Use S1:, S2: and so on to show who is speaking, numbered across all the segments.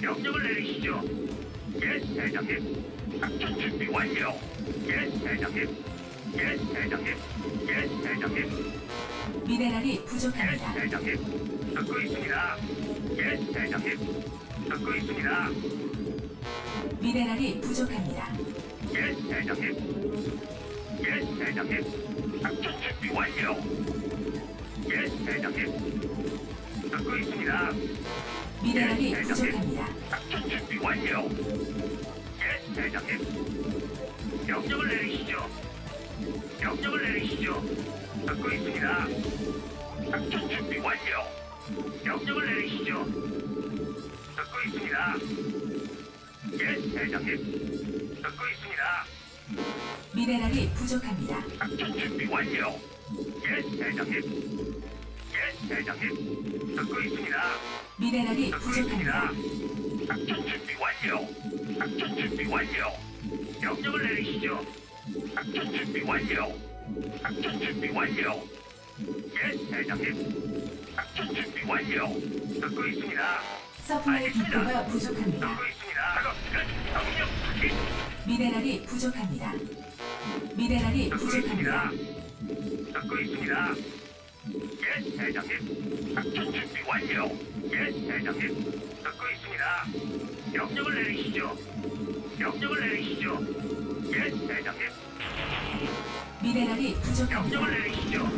S1: 명령을 내리시죠. 예, 대장님. 작전 준비 완료. 예, 대장님. 예, 대장님. 예, 대장님.
S2: 미네랄이
S1: 예,
S2: 부족합니다.
S1: 대장님. 듣고 있습니다. 예, 대장님. 듣고 있습니다.
S2: 미네랄이 부족합니다.
S1: 예, 대장님. 예, 대장님. 작전 준비 완료. 예, 대장님. 듣고 있습니다.
S2: 미네랄이
S1: 예, 대장님.
S2: 부족합니다.
S1: 작전 준비 완료. 예, 대장님. 명령을 내리시죠. 명령을 내리시죠. 듣고 있습니다. 작전 준비 완료. 명령을 내리시죠. 듣고 있습니다. 예, 대장님. 듣고 있습니다.
S2: 미네랄이 부족합니다.
S1: 작전 준비 완료. 예, 대장님. 예, 대장님. 듣고 있습니다.
S2: 미네랄이
S1: 듣고
S2: 부족합니다.
S1: 있습니다. 작전 준비 완료. 작전 준비 완료. 명령을 내리시죠. 작전 준비 완료. 작전 준비 완료. 예, 대장님. 작전 준비 완료. 듣고 있습니다.
S2: 서플라이 디포가 부족합니다.
S1: 듣고 있습니다. 작업 끝. 명령 확인.
S2: 미네랄이 부족합니다. 미네랄이
S1: 듣고
S2: 부족합니다.
S1: 있습니다. 듣고 있습니다. 예, 대장님. 작전 준비 완료. 예, 대장님. 듣고 있습니다. 명령을 내리시죠. 명령을 내리시죠. 예, 대장님.
S2: 미네랄이 부족합니다.
S1: 명령을 내리시죠.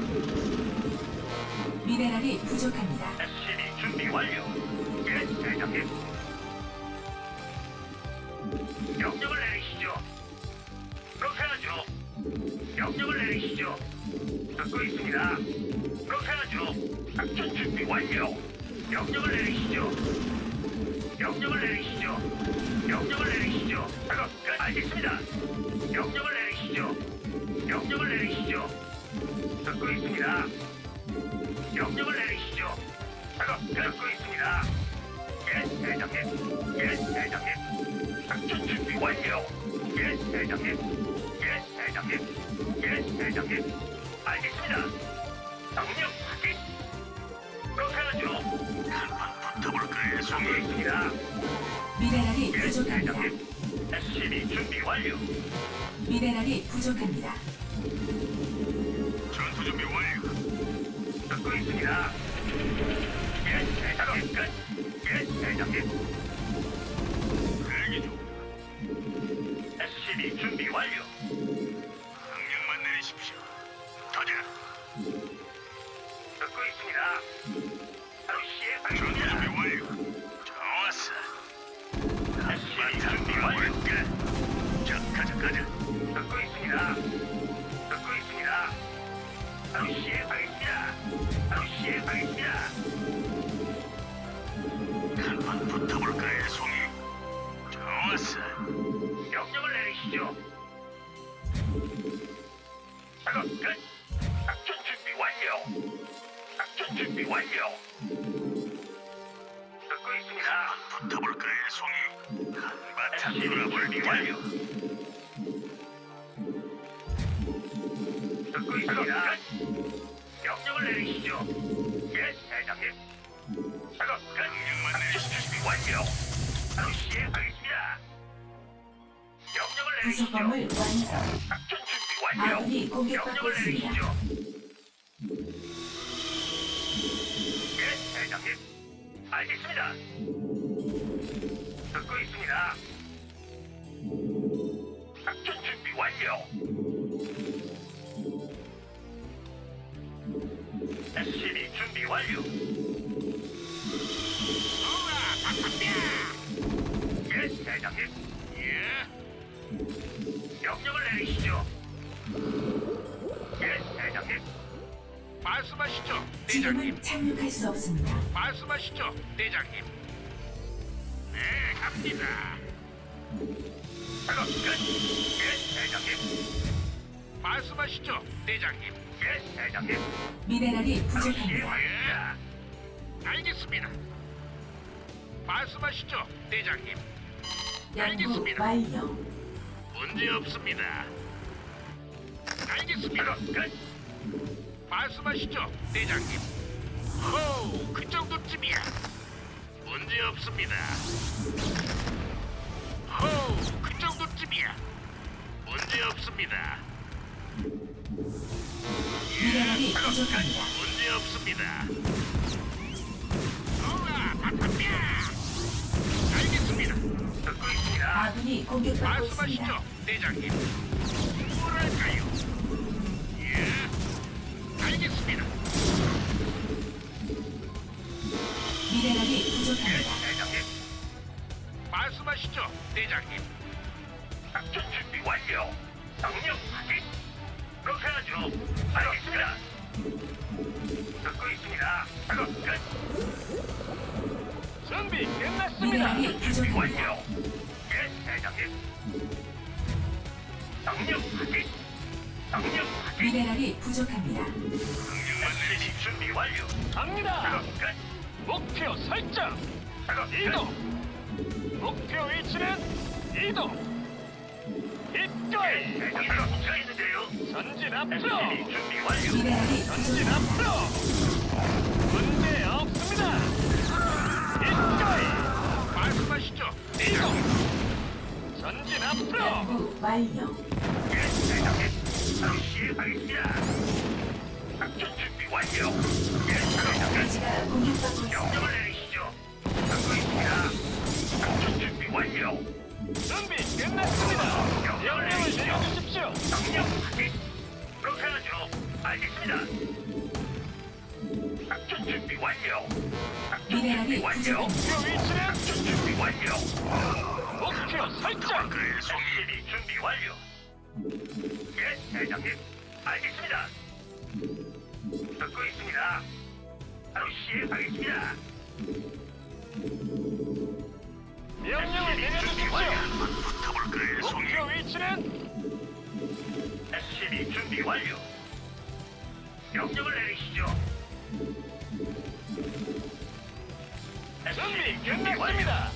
S2: 미네랄이 부족합니다.
S1: SCB 준비 완료. 예, 대장님. 명령을 내리시죠. 그렇게 하죠. 명령을 내리시죠. 듣고 있습니다. 그렇게 하죠. 작전 준비 완료. 명령을 내리시죠. 명령을 내리시죠. 명령을 내리시죠. 작업 끝. 알겠습니다. 명령을 내리시죠. 명령을 내리시죠. 듣고 있습니다. 명령을 내리시죠. 작업 끝. 듣고 있습니다. 예, 대장님. 예, 대장님. 작전 준비 완료. 예, 대장님. 예, 대장님. 예, 대장님. 알겠습니다. 명령 확인. 그렇게 하죠. 한판 붙어볼까요, 송이? 있습니다.
S2: 미네랄이
S1: 예,
S2: 부족합니다.
S1: 대장님. SCB 준비 완료.
S2: 미네랄이 부족합니다.
S1: 전투 준비 완료. 듣고 있습니다. 예, 대장님 끝. 예, 대장님. 대기 중. SCB 준비 완료. 명령만 내리십시오. 가자. 듣고 있습니다. 바로 시행하겠습니다. 준비 완료. 좋았어. SCB 준비 완료. 자, 가자. 듣고 있습니다. 듣고 있습니다. 바로 시행하겠습니다. 바로 시행하겠습니다. 한번 붙어볼까요, 송이? 좋았어. 명령을 내리시죠. 작업 끝. 작전 준비 완료. 작전 준비 완료. 듣고 있습니다. 붙어볼까요, 송이? 한바탕 놀아볼까? 완료. 듣고 있습니다. 명령을 내리시죠. 예, 대장님. 작업 끝. 명령만 내리시죠. 준비 완료. 바로 시행하겠습니다. 명령을 내리시죠.
S2: 부속범을 완성.
S1: 작전 준비 완료.
S2: 아군이 공격받고
S1: 명령을
S2: 있습니다.
S1: 내리시죠. 예, 대장님. 알겠습니다. 듣고 있습니다. 작전 준비 완료. SCB 준비 완료. 예, 대장님. 예. 명령을 내리시죠. 예, 대장님. 말씀하시죠,
S2: 지금은 착륙할 수 없습니다.
S1: 말씀하시죠, 대장님. 네, 갑니다. 작업 끝. 예, 대장님. 말씀하시죠, 대장님. 예, 대장님.
S2: 미네랄이 부족합니다.
S1: 예. 알겠습니다. 말씀하시죠, 대장님.
S2: 연구
S1: 알겠습니다.
S2: 완료.
S1: 문제 없습니다. 알겠습니다. 끝. 말씀하시죠, 대장님. 호, 그 정도쯤이야. 문제 없습니다. 호우, 그 정도쯤이야. 문제 없습니다.
S2: 미네랄이 부족합니다.
S1: 문제 없습니다. 우와, 바탕뼈. 알겠습니다. 듣고 있습니다.
S2: 아군이 공격받고 있습니다.
S1: 말씀하시죠, 대장님. 뭐랄까요? 예, 알겠습니다.
S2: 미네랄이
S1: 예,
S2: 부족합니다.
S1: 대장님. 말씀하시죠, 대장님. 작전 준비 완료. 명령 확인. 그렇게 하죠. 알겠습니다. 듣고 있습니다. 작업 끝.
S3: 준비 끝났습니다.
S2: 미네랄이
S1: 준비
S2: 부족합니다.
S1: 완료. 예, 대장님. 명령 확인. 명령 확인.
S2: 미네랄이 부족합니다.
S1: 명령만 내리시 준비 완료.
S3: 갑니다.
S1: 작업 끝.
S3: 목표 설정.
S1: 작업 끝.
S3: 이동. 목표 위치는 이동. 입가에
S1: 대장님 붙어있는데요.
S3: 전진 앞으로.
S1: SCB 준비 완료.
S2: 미네랄이
S3: 전진
S2: 부족합니다.
S3: 앞으로. 문제 없습니다. 입가에
S1: 말씀하시죠.
S3: 이동. 전진 앞으로.
S2: 연구 완료.
S1: 예, 대장님. 바로 시행하겠습니다. 작전 준비 완료. 예, 대장님.
S2: 기지가 공격받고 있습니다.
S1: 명령을 내리시죠. 듣고 있습니다. 작전 준비 완료.
S3: 준비 끝났습니다. 명령을 내려주십시오.
S1: 명령 확인. 그렇게 하죠. 알겠습니다. 작전 준비 완료. 작전 준비
S2: 미네랄이
S1: 완료.
S2: 부족합니다.
S3: 목표 위치는
S1: 작전 준비 완료.
S3: 목표 설정.
S1: SCB 준비 완료. 예, 대장님. 알겠습니다. 듣고 있습니다. 바로 시행하겠습니다.
S3: 명령을 내려주십시오.
S1: 붙어볼까요, 송이?
S3: 목표 위치는
S1: SCB 준비 완료. 명령을 내리시죠.
S3: 준비
S1: 준비 완료.
S3: 끝났습니다.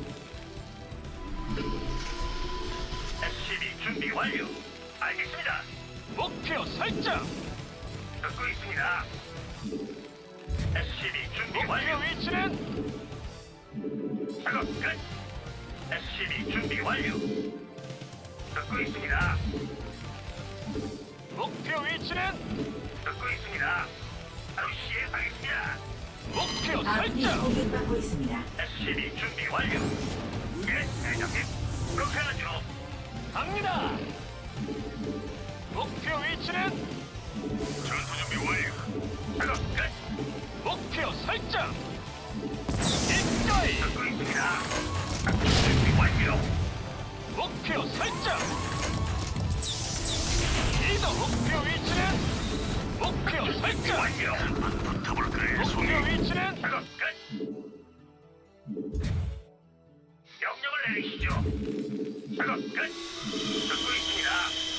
S1: SCB 준비 완료. 알겠습니다.
S3: 목표 설정.
S1: 듣고 있습니다. SCB 준비
S3: 목표
S1: 완료.
S3: 위치는
S1: 작업 끝. SCB 준비 완료. 듣고 있습니다.
S3: 목표 위치는
S1: 듣고 있습니다. 바로 시행하겠습니다.
S3: 목표
S2: 아군이
S3: 설정.
S2: 공격받고 있습니다.
S1: SCB 준비 완료. 예, 대장님. 그렇게 하죠.
S3: 갑니다. 목표 위치는
S1: 전투 준비 완료. 작업 끝.
S3: 목표 설정. 입가에
S1: 듣고 있습니다. 작전 준비 완료.
S3: 목표 설정. 이동. 목표 위치는 목표 설정.
S1: 완료. 붙어볼까요,
S3: 목표 위치는
S1: 작업 끝. 명령을 내리시죠. 작업 끝. 듣고 있습니다.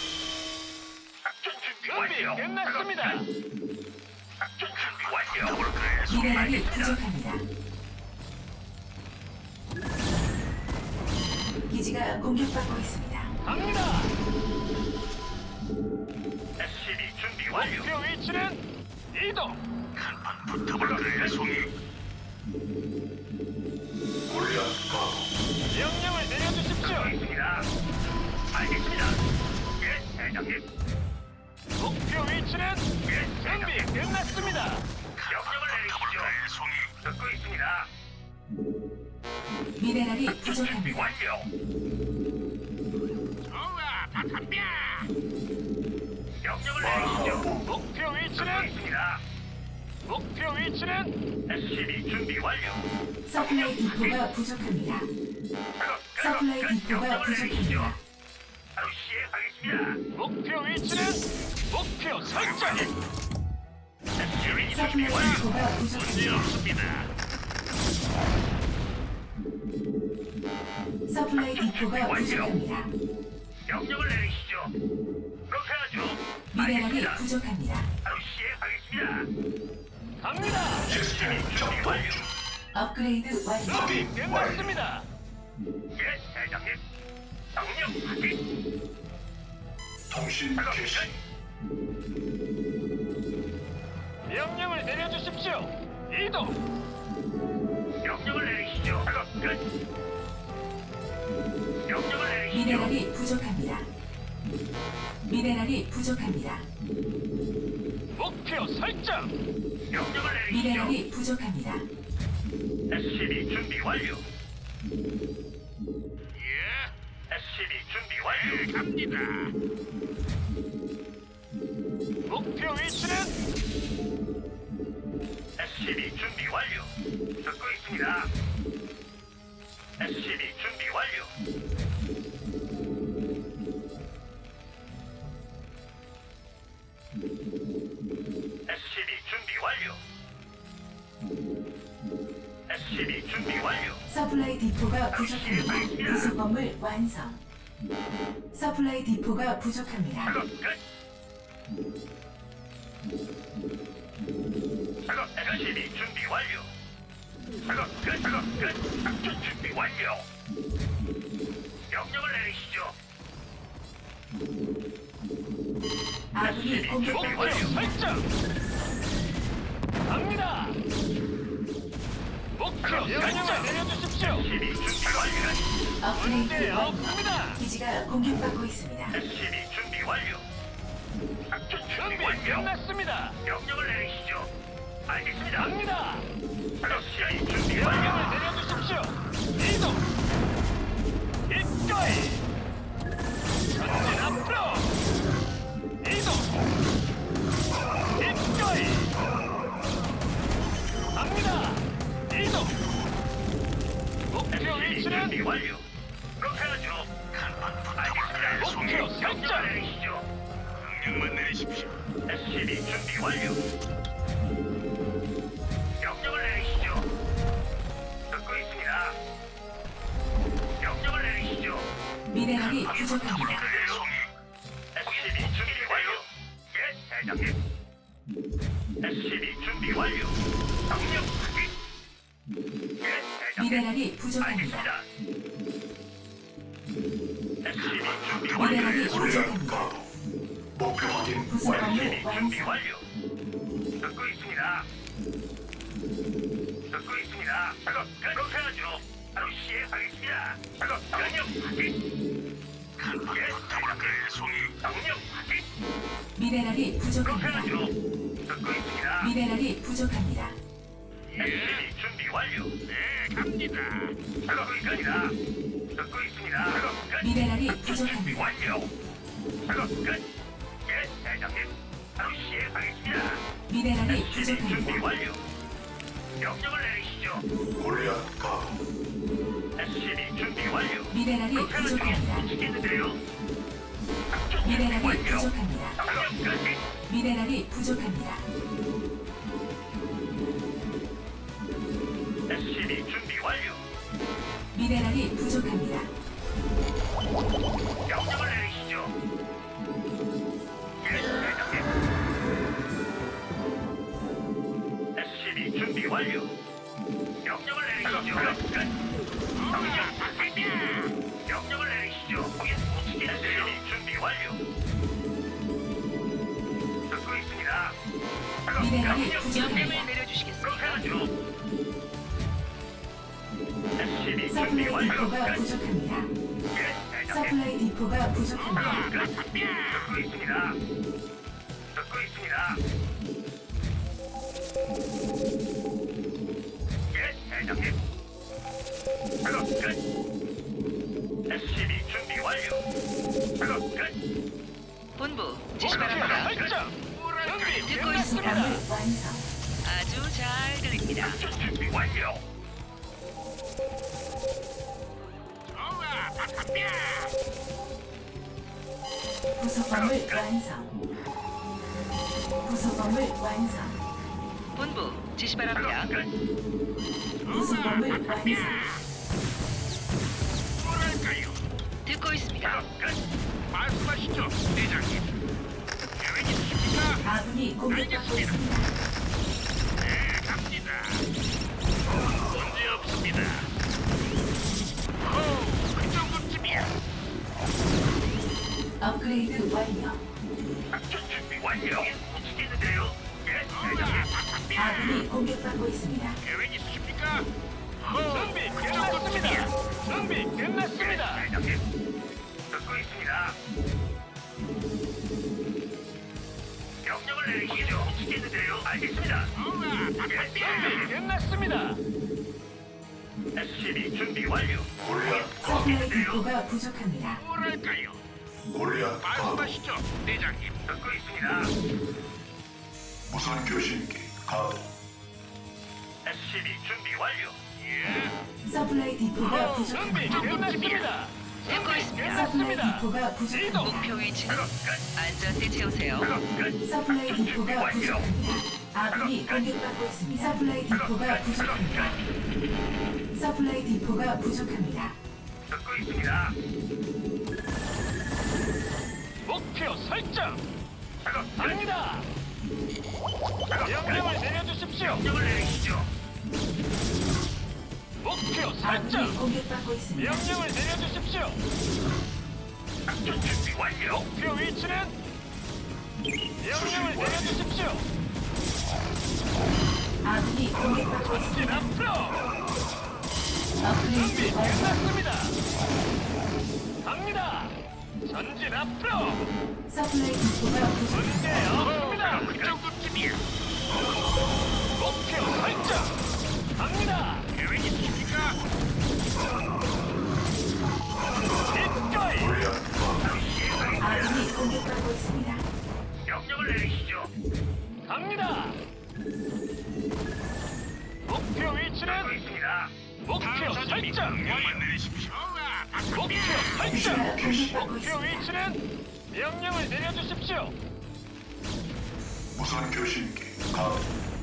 S1: 작전 준비
S3: 준비
S1: 완료.
S3: 끝났습니다.
S1: 작업 끝. 작전 준비 완료. 붙어볼까요,
S2: 미네랄이 부족합니다. 기지가 공격받고 있습니다.
S3: 갑니다.
S1: SCB 준비 완료.
S3: 목표 위치는 이동.
S1: 한판 붙어볼까요, 송이? 골리앗 가.
S3: 명령을 내려주십시오.
S1: 듣고 있습니다. 알겠습니다. 예, 대장님.
S3: 목표 위치는
S1: 예,
S3: 준비
S1: 대장님.
S3: 끝났습니다.
S1: 명령을 내리시죠. 송이. 듣고 있습니다.
S2: 미네랄이
S1: 작전 준비
S2: 부족합니다.
S1: 완료. 좋아, 다 덤벼. 명령을 내리시죠.
S3: 목표
S1: 듣고
S3: 위치는
S1: 있습니다.
S3: 목표 위치는
S1: SCB 준비 완료.
S2: 서플라이 디포가 부족합니다. 서플라이 디포가 부족합니다.
S1: 바로 시행하겠습니다.
S3: 목표 위치는 목표 설정.
S1: SCB 준비
S2: 서플라이
S1: 완료.
S2: 디포가
S1: 문제
S2: 부족합니다.
S1: 없습니다.
S2: 서플라이 디포가 부족합니다.
S1: 명령을 내리시죠. 그렇게 하죠.
S2: 미네랄이
S1: 알겠습니다.
S2: 부족합니다.
S1: 바로 시행하겠습니다.
S3: 갑니다.
S1: SCB 준비 완료.
S2: 업그레이드 완료.
S3: 준비 끝났습니다.
S1: 예, 대장님. 명령 확인.
S4: 통신 개시
S3: 명령을 내려주십시오. 이동.
S1: 명령을 명령을 내리시죠. 작업 끝. 명령을 내리시죠.
S2: 미네랄이 부족합니다. 미네랄이 부족합니다.
S3: 목표 설정.
S1: 명령을 내리시죠.
S2: 미네랄이 부족합니다.
S1: SCB 준비 완료. 예. SCB 준비 완료. 갑니다.
S3: 목표 위치는
S1: SCB 준비 완료. 듣고 있습니다. SCB 준비 완료. SCB 준비 완료. SCB 준비 완료.
S2: 서플라이 디포가 부족합니다. 부속 건물 완성. 서플라이 디포가 부족합니다.
S1: 작업 끝. 작업 SCB 준비 완료. 작업 끝. 작업 끝. 작전 준비 완료. 명령을 내리시죠.
S2: 아군이 공격받고
S3: 목표
S2: 있습니다.
S3: 설정. 갑니다. 목표 설정 내려주십시오.
S1: SCB 준비 완료.
S2: 업그레이드
S3: 문제
S2: 완료.
S3: 없습니다.
S2: 기지가 공격받고 있습니다.
S1: SCB 준비 완료. 작전 준비
S3: 준비
S1: 완료.
S3: 끝났습니다.
S1: 명령을 내리시죠. 알겠습니다.
S3: 갑니다.
S1: SCB 준비
S3: 명령을
S1: 완료.
S3: 내려주십시오. 이동. 입가에. 전진 앞으로. 이동. 입가에. 갑니다. 이동. 목표
S1: SCB
S3: 위치는
S1: 준비 완료. 그렇게 하죠. 알겠습니다.
S3: 목표 설정.
S1: 명령을 내리시죠. 명령만 내리십시오. SCB 준비 완료. 명령을 내리시죠. 듣고 있습니다. 명령을 내리시죠.
S2: 미네랄이 부족합니다.
S1: SCB 준비 완료. 예, 대장님. SCB 준비 완료. 명령 확인. 예, 대장님.
S2: 미네랄이 부족합니다.
S1: 알겠습니다. SCB 준비
S2: 미네랄이
S1: 완료.
S2: 부족합니다.
S4: 목표 확인
S2: 부속
S4: 완료.
S2: 건물
S1: 준비
S2: 완성.
S1: 완료. 듣고 있습니다. 듣고 있습니다. 작업 끝. 그렇게 하죠. 바로 시행하겠습니다. 작업 명령 확인. 예, 대장님. 송이. 명령 확인.
S2: 미네랄이
S1: 그렇게
S2: 부족합니다.
S1: 하죠. 듣고 있습니다.
S2: 미네랄이 부족합니다.
S1: SCB 준비 완료. 네, 갑니다. 작업 끝이다. 듣고 있습니다. 작업 끝.
S2: 미네랄이
S1: 작전 준비
S2: 부족합니다.
S1: 완료. 작업 끝. 예, 대장님. 바로 시행하겠습니다.
S2: 미네랄이
S1: SCB 준비
S2: 부족합니다.
S1: 완료. 명령을 내리시죠.
S4: 골리앗 가도
S1: SCB 준비 완료.
S2: 미네랄이 부족합니다.
S1: 미치겠는데요. 작전 준비
S2: 미네랄이
S1: 완료.
S2: 부족합니다.
S1: 작업 끝.
S2: 미네랄이 부족합니다.
S1: SCB 준비 완료.
S2: 미네랄이 부족합니다.
S1: 명령을 내리시죠. 예, 대장님. SCB 준비 완료. 명령을 내리시죠. 끝. 명령 받습니다. 명령을 내리시죠. 거긴 미치겠는데요. SCB 준비 완료. 듣고 있습니다. 작업
S2: 미네랄이
S1: 명령
S2: 부족합니다.
S1: 그렇게 하죠. SCB 준비
S2: 서플라이
S1: 완료.
S2: 디포가
S1: 끝.
S2: 부족합니다.
S1: 예, 대장님.
S2: 서플라이 디포가 부족합니다.
S1: 듣고 있습니다. 듣고 있습니다. 예, 대장님. 작업 끝. SCB 준비 완료. 작업 끝.
S5: 본부 지시
S3: 목표
S5: 바랍니다.
S3: 설정. 준비
S5: 듣고
S2: 부속
S3: 끝났습니다.
S2: 건물 완성.
S5: 아주 잘 들립니다.
S1: 작전 준비 완료.
S2: 부속 건물 완성. 부속 건물 완성.
S5: 본부 지시 바랍니다.
S1: 작업 끝.
S2: 부속 건물 완성.
S1: 뭐랄까요?
S5: 듣고 있습니다.
S1: 작업 끝. 말씀하시죠, 대장님. 계획 있으십니까?
S2: 아군이 공격받고 있습니다.
S1: 네, 갑니다. 문제 없습니다. 그 정도쯤이야.
S2: 업그레이드 완료.
S1: 작전 준비 완료. 움직이는데요. 예, 대장님.
S2: 아군이 공격받고 있습니다.
S1: 계획 있으십니까?
S3: 준비 끝났습니다. 준비 끝났습니다.
S1: 대장님. 듣고 있습니다. 명령을 내리시죠. 시겠는데요. 알겠습니다.
S3: 준비 끝났습니다.
S1: SCB 준비 완료.
S4: 골리앗
S2: 서플라이 디포가 부족합니다.
S1: 뭐랄까요?
S4: 골리앗 가도
S1: 말씀하시죠, 대장님. 듣고 있습니다.
S4: 무선 교신기 가도
S1: SCB 준비 완료. 예.
S2: 서플라이 디포가
S3: 준비
S2: 부족합니다.
S3: 끝났습니다.
S5: 듣고 있습니다.
S2: 서플라이
S3: 끝났습니다.
S2: 디포가 부족합니다.
S5: 목표 위치는
S1: 작업 끝.
S5: 안전대 채우세요.
S1: 작업 끝.
S2: 서플라이
S1: 작전 준비
S2: 디포가
S1: 완료.
S2: 부족합니다. 아군이 공격받고 있습니다. 서플라이 디포가 부족합니다. 서플라이 디포가 부족합니다.
S1: 듣고 있습니다.
S3: 목표 설정.
S1: 작업 끝.
S3: 갑니다.
S1: 작업 끝.
S3: 명령을 내려주십시오.
S1: 명령을 내리시죠.
S3: 목표
S2: 아군이
S3: 설정.
S2: 공격받고 있습니다.
S3: 명령을 내려주십시오.
S1: 작전 준비 완료.
S3: 목표 위치는 명령을 내려주십시오.
S2: 아군이 공격받고
S3: 전진
S2: 있습니다.
S3: 앞으로. 준비
S2: 업그레이드 완료.
S3: 끝났습니다. 갑니다. 전진 앞으로.
S2: 서플라이 디포가 부족합니다.
S3: 문제 없습니다.
S1: 그 정도쯤이야.
S3: 목표 설정. 갑니다.
S1: 계획 있으십니까?
S3: 기꺼이.
S4: 골리앗 가도
S2: 아군이 공격받고 있습니다.
S1: 명령을 내리시죠.
S3: 갑니다. 목표
S1: 듣고
S3: 위치는
S1: 있습니다.
S3: 목표 설정.
S1: 명령만 내리십시오.
S3: 목표 설정.
S2: 기지가 공격받고
S3: 목표
S2: 있습니다.
S3: 위치는 명령을 내려주십시오.
S4: 무선 교신기 가도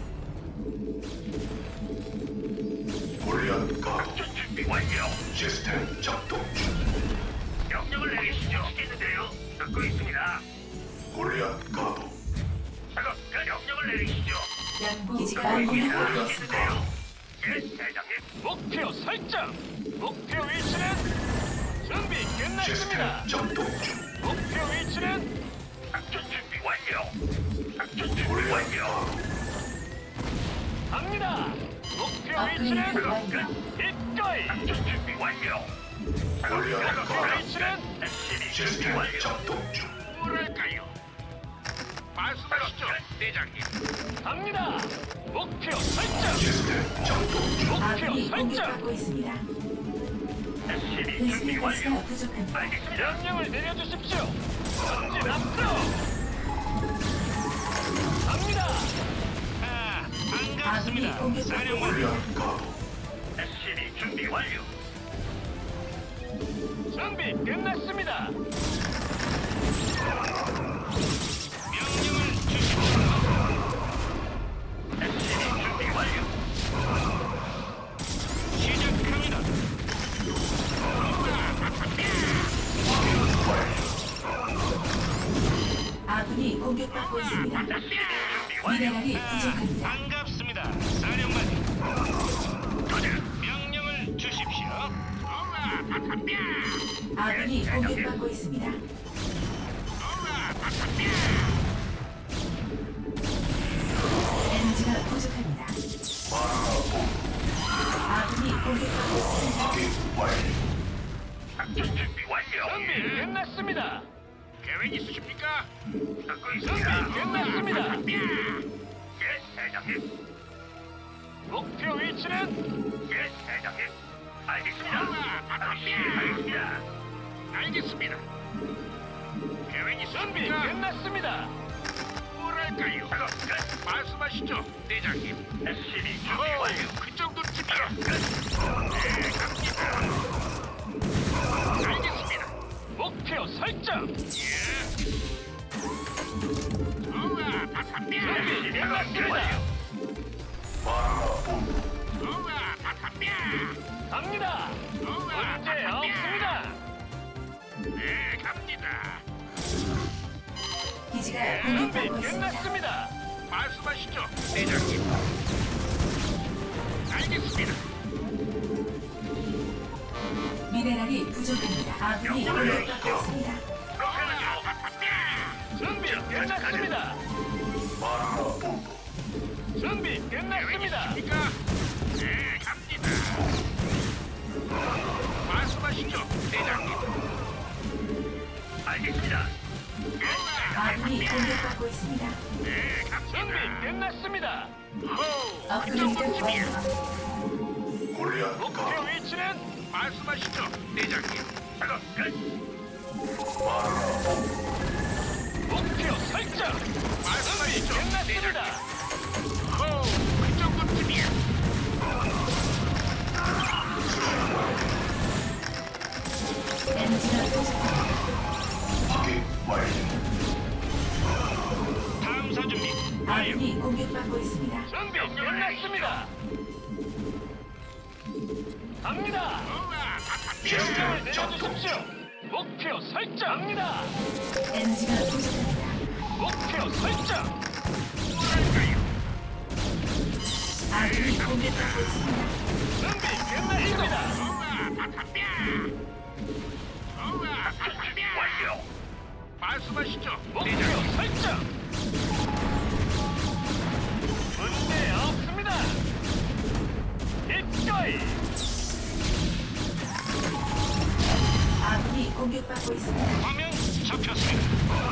S4: 골리앗 가도
S1: 작전 준비 완료.
S4: 시스템 작동 중
S1: 명령을 내리시죠. 시겠는데요. 듣고 있습니다.
S4: 골리앗 가도
S1: 작업 끝. 명령을 내리시죠.
S2: 양부 기지가
S1: 듣고
S2: 공격받고
S1: 있습니다.
S2: 있습니다.
S1: 시겠는데요. 예, 대장님.
S3: 목표 설정. 목표 위치는 준비 끝났습니다.
S4: 시스템 작동 중
S3: 목표 위치는
S1: 작전 준비 완료. 작전 준비
S4: 골리앗
S1: 완료.
S4: 가도
S3: 갑니다. 목표
S2: 업그레이드
S3: 위치는
S2: 완료.
S3: 기꺼이.
S1: 작전 준비 완료.
S4: 골리앗
S3: 목표
S4: 가도
S3: 위치는
S1: SCB 준비
S4: 시스템
S1: 완료.
S4: 작동 중
S1: 뭐랄까요? 말씀하시죠, 대장님.
S3: 갑니다. 목표 설정.
S4: 시스템 작동 중
S2: 아군이
S3: 목표 설정.
S2: 공격받고 있습니다.
S1: SCB 준비
S2: 베스핀 가스가
S1: 완료.
S2: 부족합니다.
S1: 알겠습니다.
S3: 명령을 내려주십시오. 전진 앞으로. 갑니다.
S2: 아군이 공격받고 있습니다.
S4: 골리앗 가도
S1: SCB 준비 완료.
S3: 준비 끝났습니다.
S1: 명령을 주십시오. SCB 준비 완료. 시작합니다.
S2: 아군이 공격받고 있습니다.
S1: SCB 준비 완료.
S2: 미네랄이 부족합니다.
S1: 반갑습니다, 사령관님. 도전. 명령을 주십시오.
S2: 아군이 공격받고 있습니다. 에너지가 부족합니다. 아군이 공격받고 있습니다.
S4: 확인 완료
S1: 작전 준비 완료.
S3: 준비 끝났습니다.
S1: 계획 있으십니까? 듣고
S3: 준비
S1: 있습니다.
S3: 끝났습니다.
S1: 예, 대장님.
S3: 목표 위치는
S1: 예, 대장님. 알겠습니다. 알겠습니다. 알겠습니다. 계획
S3: 준비
S1: 있으십니까?
S3: 끝났습니다.
S1: 뭐랄까요? 작업 끝. 말씀하시죠, 대장님. SCB 준비 완료. 그 정도쯤이야. 끝. 네, 갑니다. 알겠습니다.
S3: 목표 설정. 준비
S1: SCB 준비
S3: 끝났습니다.
S1: 완료.
S4: 마누라 본부
S3: 갑니다. 문제 없습니다.
S1: 네, 갑니다.
S2: 기지가
S3: 준비
S2: 공격받고 있습니다.
S3: 끝났습니다.
S1: 말씀하시죠, 대장님. 알겠습니다.
S2: 미네랄이 부족합니다. 아군이 공격받고 있습니다.
S1: 그렇게 하죠.
S3: 준비 끝났습니다.
S4: 마누라 본부
S3: 준비 끝났습니다.
S1: 있습니까? 네, 갑니다. 말씀하시죠, 대장님. 알겠습니다.
S2: 아군이 공격받고 있습니다.
S1: 네,
S3: 준비
S1: 갑니다.
S3: 끝났습니다.
S2: 업그레이드 완료.
S4: 골리앗
S3: 목표
S4: 가도
S3: 위치는
S1: 말씀하시죠, 대장님. 작업 끝.
S4: 마누라 본부
S3: 목표 설정.
S1: 말씀하시죠,
S3: 끝났습니다.
S1: 그 정도쯤이야.
S2: 엔지가 부족합니다.
S4: 확인 완료.
S1: 탐사 준비.
S2: 아군이 공격받고 있습니다.
S3: 준비 끝났습니다. 갑니다. 명령을 내려주십시오. 목표 설정. 갑니다.
S2: 엔지가 부족합니다.
S3: 목표 설정.
S2: 아군이 공격받고 있습니다.
S3: 준비 끝났습니다.
S1: 완료. 말씀하시죠,
S3: 목표
S1: 대장님.
S3: 설정. 문제 없습니다. 기꺼이
S2: 아군이 공격받고 있습니다.
S1: 화면 잡혔습니다.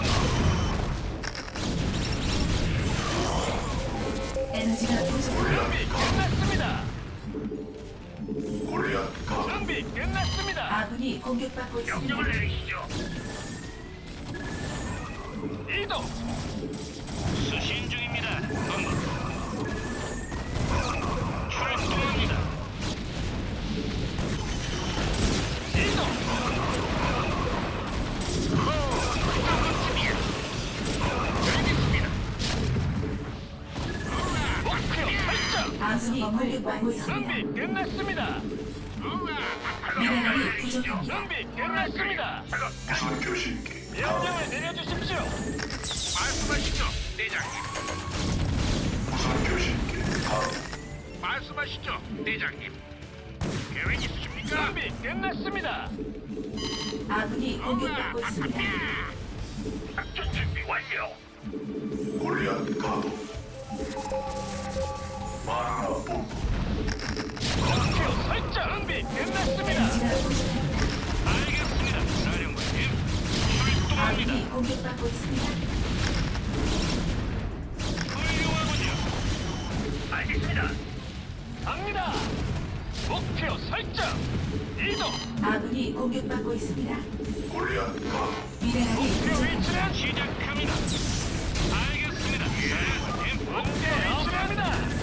S2: 엔지가 부족합니다.
S3: 준비 끝났습니다.
S4: 골리앗 가도
S3: 준비 끝났습니다.
S2: 아군이 공격받고 있습니다.
S1: 명령을 내리시죠.
S3: 이동.
S1: 수신 중입니다. 출동합니다.
S3: 이동.
S1: 알겠습니다.
S3: 목표 설정.
S2: 아군이 공격받고 있습니다.
S3: 준비 끝났습니다.
S2: 미네랄이 부족합니다.
S3: 준비 끝났습니다.
S4: 무선 교신기
S3: 명령을 내려주십시오.
S1: 말씀하시죠, 대장님.
S4: 무선 교신기 가도
S1: 말씀하시죠, 대장님. 계획 있으십니까?
S3: 준비 끝났습니다.
S2: 아군이 공격받고 있습니다.
S1: 작전 준비 완료.
S4: 골리앗 가도 마누라 본부
S3: 목표 설정. 준비 끝났습니다.
S2: 엔지가 부족합니다.
S1: 알겠습니다, 사령관님. 출동합니다.
S2: 아군이 공격받고 있습니다.
S1: 훌륭하군요. 알겠습니다.
S3: 갑니다. 목표 설정. 이동.
S2: 아군이 공격받고 있습니다.
S4: 골리앗 가도
S2: 미네랄이
S3: 목표
S2: 부족합니다.
S3: 위치는
S1: 시작합니다. 알겠습니다, 사령관님.
S3: 문제 없습니다.